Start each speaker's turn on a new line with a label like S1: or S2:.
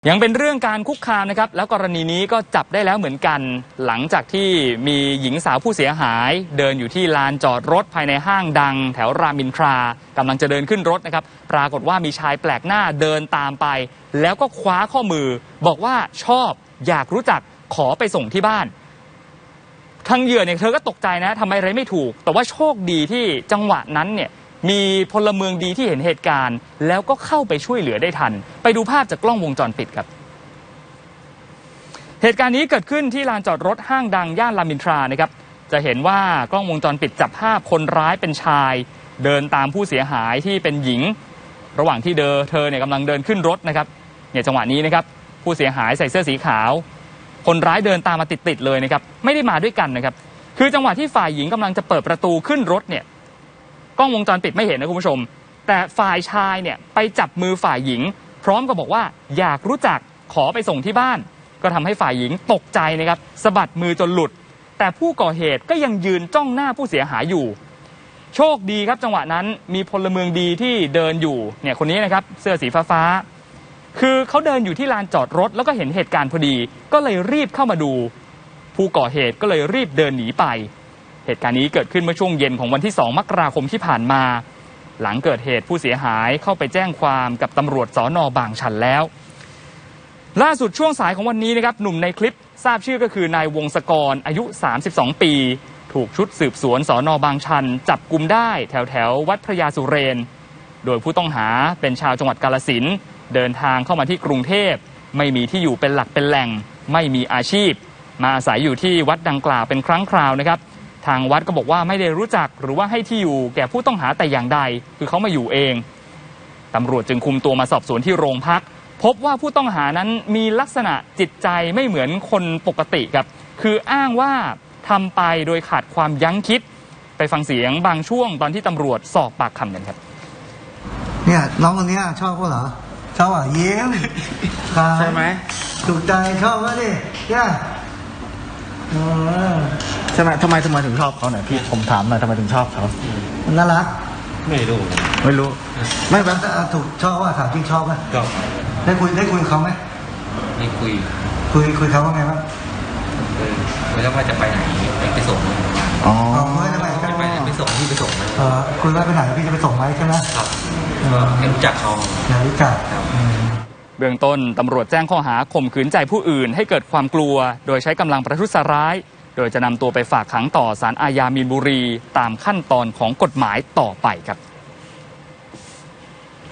S1: ยังเป็นเรื่องการคุกคามนะครับแล้วกรณีนี้ก็จับได้แล้วเหมือนกันหลังจากที่มีหญิงสาวผู้เสียหายเดินอยู่ที่ลานจอดรถภายในห้างดังแถวรามอินทรากำลังจะเดินขึ้นรถนะครับปรากฏว่ามีชายแปลกหน้าเดินตามไปแล้วก็คว้าข้อมือบอกว่าชอบอยากรู้จักขอไปส่งที่บ้านทางเหยื่อเนี่ยเธอก็ตกใจนะทำอะไรไม่ถูกแต่ว่าโชคดีที่จังหวะนั้นเนี่ยมีพลเมืองดีที่เห็นเหตุการณ์แล้วก็เข้าไปช่วยเหลือได้ทันไปดูภาพจากกล้องวงจรปิดครับเหตุการณ์นี้เกิดขึ้นที่ลานจอดรถห้างดังย่านรามอินทรานะครับจะเห็นว่ากล้องวงจรปิดจับภาพคนร้ายเป็นชายเดินตามผู้เสียหายที่เป็นหญิงระหว่างที่เธอเนี่ยกำลังเดินขึ้นรถนะครับเนี่ยจังหวะนี้นะครับผู้เสียหายใส่เสื้อสีขาวคนร้ายเดินตามมาติดๆเลยนะครับไม่ได้มาด้วยกันนะครับคือจังหวะที่ฝ่ายหญิงกำลังจะเปิดประตูขึ้นรถเนี่ยกล้องวงจรปิดไม่เห็นนะคุณผู้ชมแต่ฝ่ายชายเนี่ยไปจับมือฝ่ายหญิงพร้อมกับบอกว่าอยากรู้จักขอไปส่งที่บ้านก็ทำให้ฝ่ายหญิงตกใจนะครับสะบัดมือจนหลุดแต่ผู้ก่อเหตุก็ยังยืนจ้องหน้าผู้เสียหายอยู่โชคดีครับจังหวะนั้นมีพลเมืองดีที่เดินอยู่เนี่ยคนนี้นะครับเสื้อสีฟ้าคือเขาเดินอยู่ที่ลานจอดรถแล้วก็เห็นเหตุการณ์พอดีก็เลยรีบเข้ามาดูผู้ก่อเหตุก็เลยรีบเดินหนีไปเหตุการณ์นี้เกิดขึ้นเมื่อช่วงเย็นของวันที่2 มกราคมที่ผ่านมาหลังเกิดเหตุผู้เสียหายเข้าไปแจ้งความกับตำรวจสน.บางชันแล้วล่าสุดช่วงสายของวันนี้นะครับหนุ่มในคลิปทราบชื่อก็คือนายวงศกรอายุ32 ปีถูกชุดสืบสวนสน.บางชันจับกุมได้แถววัดพระยาสุเรนโดยผู้ต้องหาเป็นชาวจังหวัดกาฬสินธุ์เดินทางเข้ามาที่กรุงเทพไม่มีที่อยู่เป็นหลักเป็นแหล่งไม่มีอาชีพมาอาศัยอยู่ที่วัดดังกล่าวเป็นครั้งคราวนะครับทางวัดก็บอกว่าไม่ได้รู้จักหรือว่าให้ที่อยู่แก่ผู้ต้องหาแต่อย่างใดคือเขามาอยู่เองตำรวจจึงคุมตัวมาสอบสวนที่โรงพักพบว่าผู้ต้องหานั้นมีลักษณะจิตใจไม่เหมือนคนปกติครับคืออ้างว่าทำไปโดยขาดความยั้งคิดไปฟังเสียงบางช่วงตอนที่ตำรวจสอบปากคำกันครับ
S2: เนี่ยน้องคนนี้ชอบเขาเหรอชอบอ่ะยิ้มใช่ไหมถูกใจชอบก็ดิเนี่ย
S3: ใช่ไหมทำไมถึงชอบเขาเนี่ยพี่ผมถามหน่อยทำไมถึงชอบเขา
S2: น่ารัก
S3: ไม่รู้ไม่แบบ
S2: ถูกชอบว่าถามจริงชอบไหม
S3: ชอบ
S2: ได้คุยเขาไหม
S3: ไม่คุย
S2: เขาว่าไงบ้าง
S3: แล้วว่าจะไปไหนไปส่ง
S2: อ๋อจะ
S3: ไปส่งที่ไปส่ง
S2: คุยว่าไปไหนพี่จะไปส่งไหมใช่ไหม
S3: ครับรู้จักเขา
S2: รู้จัก
S1: เบื้องต้นตำรวจแจ้งข้อหาข่มขืนใจผู้อื่นให้เกิดความกลัวโดยใช้กำลังประทุษร้ายโดยจะนำตัวไปฝากขังต่อศาลอาญามีนบุรีตามขั้นตอนของกฎหมายต่อไปครับ